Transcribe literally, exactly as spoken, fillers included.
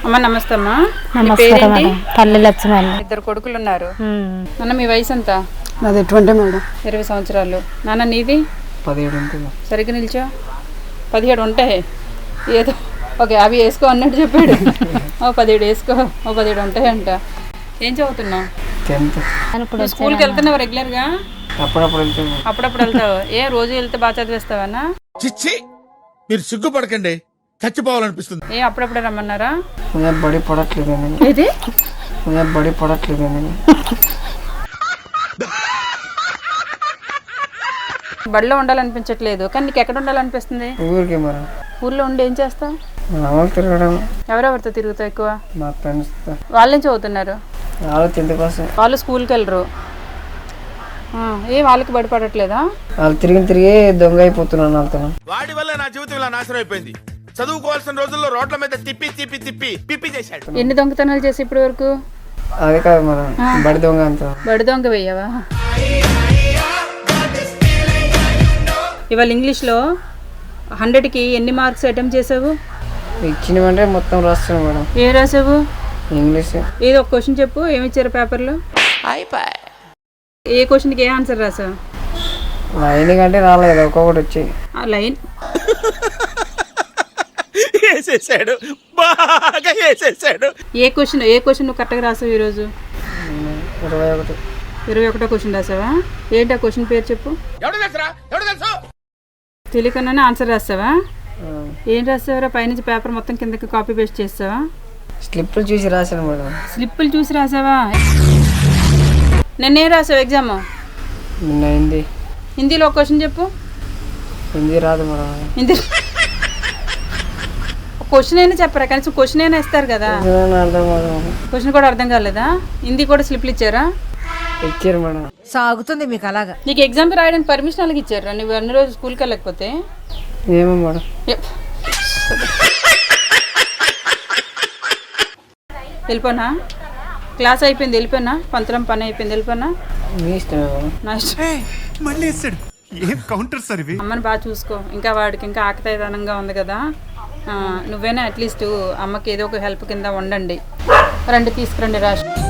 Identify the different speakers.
Speaker 1: అమ్మ నమస్తే అమ్మా.
Speaker 2: నమస్కారం మేడం. పల్లె లక్ష్మణ్.
Speaker 1: ఇద్దరు కొడుకులు ఉన్నారు. నాన్న మీ వయసు ఎంత?
Speaker 3: నాది ఎటువంటి మేడం?
Speaker 1: ఇరవై సంవత్సరాలు. నాన్న నీది?
Speaker 3: పదిహేడు ఉంటుంది.
Speaker 1: సరిగ్గా నిల్చో. పదిహేడు ఉంటాయి ఏదో. ఓకే అవి వేసుకో అన్నట్టు చెప్పాడు. ఓ పదిహేడు వేసుకో, ఓ పదిహేడు ఉంటాయి అంట. ఏం చదువుతున్నావు?
Speaker 3: టెన్త్.
Speaker 1: స్కూల్కి వెళ్తున్నావు రెగ్యులర్గా?
Speaker 3: అప్పుడప్పుడు వెళ్తాను.
Speaker 1: అప్పుడప్పుడు వెళ్తావు. ఏ రోజు వెళ్తే బాగా చదివేస్తావన్నా?
Speaker 4: చిచ్చి మీరు సిగ్గుపడకండి, చచ్చిపోవాలనిపిస్తుంది.
Speaker 1: ఏ అప్పుడప్పుడే రమ్మన్నారా?
Speaker 3: బడి పడట్లేదు.
Speaker 1: ఏది
Speaker 3: బడి పడట్లేదు.
Speaker 1: బడిలో ఉండాలనిపించట్లేదు, కానీ నీకు ఎక్కడ ఉండాలనిపిస్తుంది?
Speaker 3: ఊరికి మరి.
Speaker 1: ఊర్లో ఉండి ఏం చేస్తావు?
Speaker 3: తిరగడం.
Speaker 1: ఎవరెవరితో తిరుగుతావు ఎక్కువ?
Speaker 3: మా ఫ్రెండ్స్.
Speaker 1: వాళ్ళేం చదువుతున్నారు?
Speaker 3: వాళ్ళు టెన్త్ క్లాస్.
Speaker 1: వాళ్ళు స్కూల్కి వెళ్ళరు. ఏ వాళ్ళకి బడి పడట్లేదా?
Speaker 3: వాళ్ళు తిరిగి తిరిగి దొంగ అయిపోతున్నాను వాళ్ళతో.
Speaker 4: వాడి వల్ల నా జీవితం ఇలా నాశనం అయిపోయింది. చదువుకోవాల్సిన రోజుల్లో రోడ్ల మీద తిప్పి తిప్పి తిప్పి పిప్పి చేశాడు.
Speaker 1: ఎన్ని దొంగతనాలు చేసి ఇప్పటి వరకు?
Speaker 3: అదే కాదు మనం బడి దొంగ అంత.
Speaker 1: బడి దొంగ వెయ్యవా? ఇవాళ ఇంగ్లీష్లో హండ్రెడ్కి ఎన్ని మార్క్స్ అటెంప్ట్ చేసావు?
Speaker 3: ఇచ్చినవంటే మొత్తం రాస్తున్నాం మేడం.
Speaker 1: ఏం రాసావు?
Speaker 3: ఇంగ్లీష్.
Speaker 1: ఏదో ఒక క్వశ్చన్ చెప్పు, ఏమి ఇచ్చారు పేపర్లో? ఏ క్వశ్చన్కి ఏ ఆన్సర్ రాసావు?
Speaker 3: లైన్ కంటే రాలేదు, ఒక్కొక్కటి వచ్చి.
Speaker 1: ఆ లైన్
Speaker 4: వేసేసాడు, బాగా వేసేసాడు.
Speaker 1: ఏ క్వశ్చన్ ఏ క్వశ్చన్ నువ్వు కరెక్ట్గా రాసావు ఈరోజు?
Speaker 3: ఇరవై ఒకటి.
Speaker 1: ఇరవై ఒకటో క్వశ్చన్ రాసావా? ఏంటి ఆ క్వశ్చన్ పేరు చెప్పు. తెలియకుండానే ఆన్సర్ రాస్తావా? ఏం రాస్తావరా? పైనుంచి పేపర్ మొత్తం కిందకి కాపీ పేస్ట్ చేస్తావా?
Speaker 3: స్లిప్పులు చూసి రాశాను మేడం.
Speaker 1: స్లిప్పులు చూసి రాసావా? నిన్నేం రాసావు ఎగ్జామ్?
Speaker 3: నిన్న హిందీ.
Speaker 1: హిందీలో ఒక క్వశ్చన్ చెప్పు.
Speaker 3: హిందీ రాదు మేడం.
Speaker 1: హిందీ క్వశ్చన్ అయినా చెప్పరా? కనీసం క్వశ్చన్ అయినా ఇస్తారు కదా.
Speaker 3: అర్థం మేడం.
Speaker 1: క్వశ్చన్ కూడా అర్థం కాలేదా? హిందీ కూడా స్లిప్లు ఇచ్చారా?
Speaker 3: ఇచ్చారు మేడం.
Speaker 5: సాగుతుంది మీకు అలాగా.
Speaker 1: నీకు ఎగ్జామ్కి రాయడానికి పర్మిషన్ అలాగే ఇచ్చారా? నువ్వు అన్ని రోజు స్కూల్కి వెళ్ళకపోతే?
Speaker 3: ఏమో మేడం.
Speaker 1: వెళ్ళిపోనా? క్లాస్ అయిపోయింది వెళ్ళిపోయినా? పంతులం పని అయిపోయింది వెళ్ళిపోనా?
Speaker 3: మీ ఇష్టమే మేడం.
Speaker 1: నా ఇష్టం.
Speaker 4: మళ్ళీ వేసాడు. ఏం కౌంటర్ సార్ ఇవి.
Speaker 1: అమ్మని బాగా చూసుకో. ఇంకా వాడికి ఇంకా ఆకతాయితనంగా ఉంది కదా. నువ్వేనా అట్లీస్ట్ అమ్మకి ఏదో ఒక హెల్ప్ కింద ఉండండి. రండి తీసుకురండి రాష్ట్రం.